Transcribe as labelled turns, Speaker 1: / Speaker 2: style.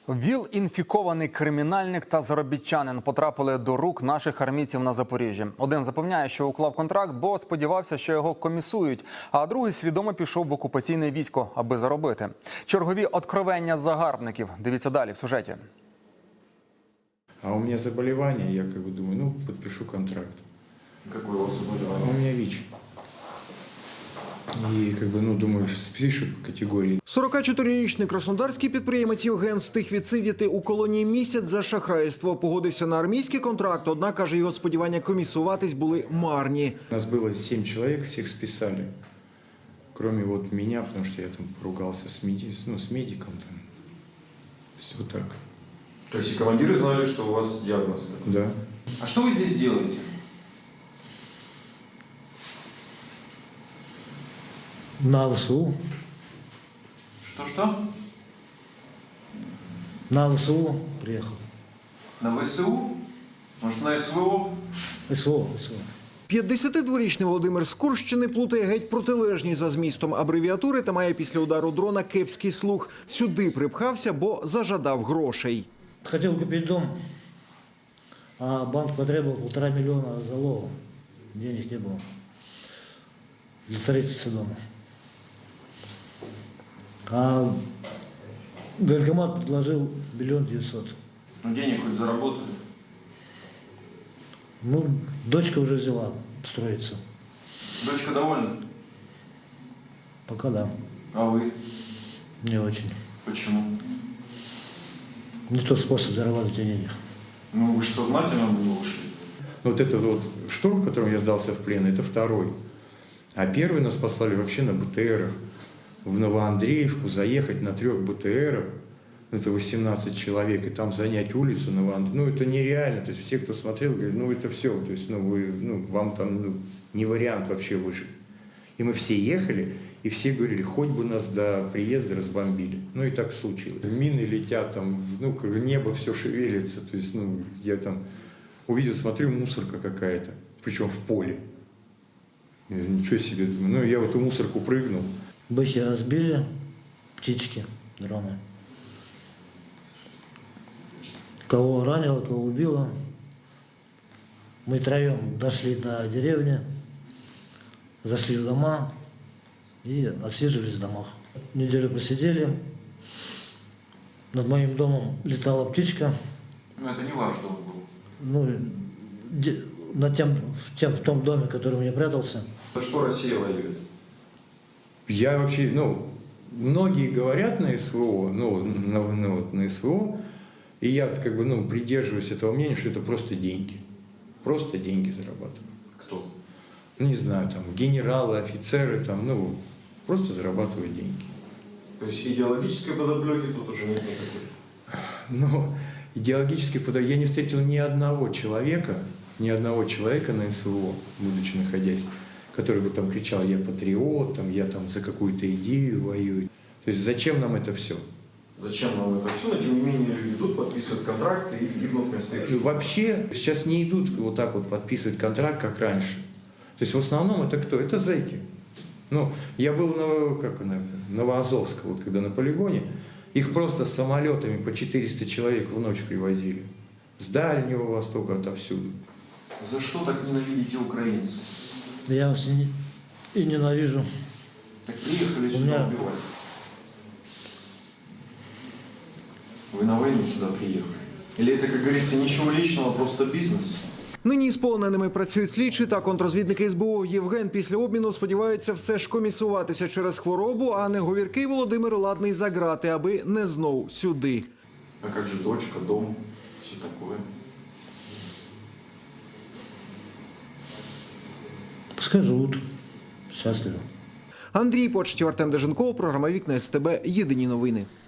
Speaker 1: ВІЛ-інфікований кримінальник та заробітчанин потрапили до рук наших армійців на Запоріжжі. Один запевняє, що уклав контракт, бо сподівався, що його комісують, а другий свідомо пішов в окупаційне військо, аби заробити. Чергові откровення загарбників. Дивіться далі в сюжеті.
Speaker 2: А у меня заболевание, я думаю, подпишу контракт.
Speaker 3: Какое у вас заболевание?
Speaker 2: У меня ВИЧ. І, думаю, спишу категорії.
Speaker 4: 44-річний краснодарський підприємець Євген встиг відсидіти у колонії місяць за шахрайство. Погодився на армійський контракт, однак, каже, його сподівання комісуватись були марні.
Speaker 2: Нас было 7 человек, всех списали. Кроме меня, потому что я там поругался с медиком. Все так.
Speaker 3: То есть и командиры знали, что у вас диагноз?
Speaker 2: Да.
Speaker 3: А что вы здесь делаете?
Speaker 5: На ВСУ.
Speaker 3: Что-что?
Speaker 5: На ВСУ приехал.
Speaker 3: На ВСУ? Может, на СВО?
Speaker 5: СВО.
Speaker 4: 52-річний Володимир з Курщини плутає геть протилежні за змістом абревіатури та має після удару дрона кепський слух. Сюди припхався, бо зажадав грошей.
Speaker 5: Хотел купить дом, а банк потребовал 1,5 миллиона залога. Денег не было для строительства дома. А банкомат предложил 1 900 000.
Speaker 3: Ну, денег хоть заработали.
Speaker 5: Дочка уже взяла строиться.
Speaker 3: Дочка довольна?
Speaker 5: Пока да.
Speaker 3: А вы?
Speaker 5: Не очень.
Speaker 3: Почему?
Speaker 5: Не тот способ зарабатывать денег.
Speaker 3: Ну, вы же сознательно не ушли.
Speaker 2: Вот этот штурм, в котором я сдался в плен, это второй. А первый нас послали вообще на БТРах. В Новоандреевку заехать на 3 БТРах. Это 18 человек, и там занять улицу Новоандреевку. Это нереально. То есть все, кто смотрел, говорят, это все. То есть, вам там не вариант вообще выжить. И мы все ехали, и все говорили, хоть бы нас до приезда разбомбили. И так случилось. Мины летят, там, небо все шевелится. То есть, я там увидел, смотрю, мусорка какая-то, причем в поле. Ничего себе. Я в эту мусорку прыгнул.
Speaker 5: Бэхи разбили, птички, дроны. Кого ранило, кого убило. Мы троем дошли до деревни, зашли в дома и отсиживались в домах. Неделю просидели. Над моим домом летала птичка.
Speaker 3: Ну, это не ваш дом был.
Speaker 5: В том доме, в котором я прятался.
Speaker 3: За что Россия воюет?
Speaker 2: Я вообще, многие говорят на СВО, на СВО, и я придерживаюсь этого мнения, что это просто деньги. Просто деньги зарабатывают.
Speaker 3: Кто?
Speaker 2: Не знаю, там, генералы, офицеры, там, просто зарабатывают деньги.
Speaker 3: То есть идеологической подоплеки тут уже нет никакой?
Speaker 2: Идеологической подоплеки я не встретил ни одного человека на СВО, будучи находясь, который бы там кричал, я патриот, я там за какую-то идею воюю. То есть зачем нам это все?
Speaker 3: Зачем нам это все? Но тем не менее люди идут, подписывают контракты и гибнут вместо их.
Speaker 2: Вообще сейчас не идут вот так вот подписывать контракт, как раньше. То есть в основном это кто? Это зэки. Я был на Новоазовск, когда на полигоне, их просто самолетами по 400 человек в ночь привозили. С Дальнего Востока, отовсюду.
Speaker 3: За что так ненавидите украинцев?
Speaker 5: Я вас и ненавижу.
Speaker 3: Так приехали сюда убивать. Вы на войну сюда приехали? Или это, как говорится, ничего личного, просто бизнес?
Speaker 4: Нині з полоненими працюють слідчі та контрозвідники СБУ. Євген після обміну сподівається все ж комісуватися через хворобу, а не говіркий Володимир ладний за грати, аби не знов сюди.
Speaker 3: А как же дочка, дом, все такое?
Speaker 5: Пускай живут счастливо.
Speaker 4: Андрій Почтів, Артем Деженков, програма «Вікна СТБ». Єдині новини.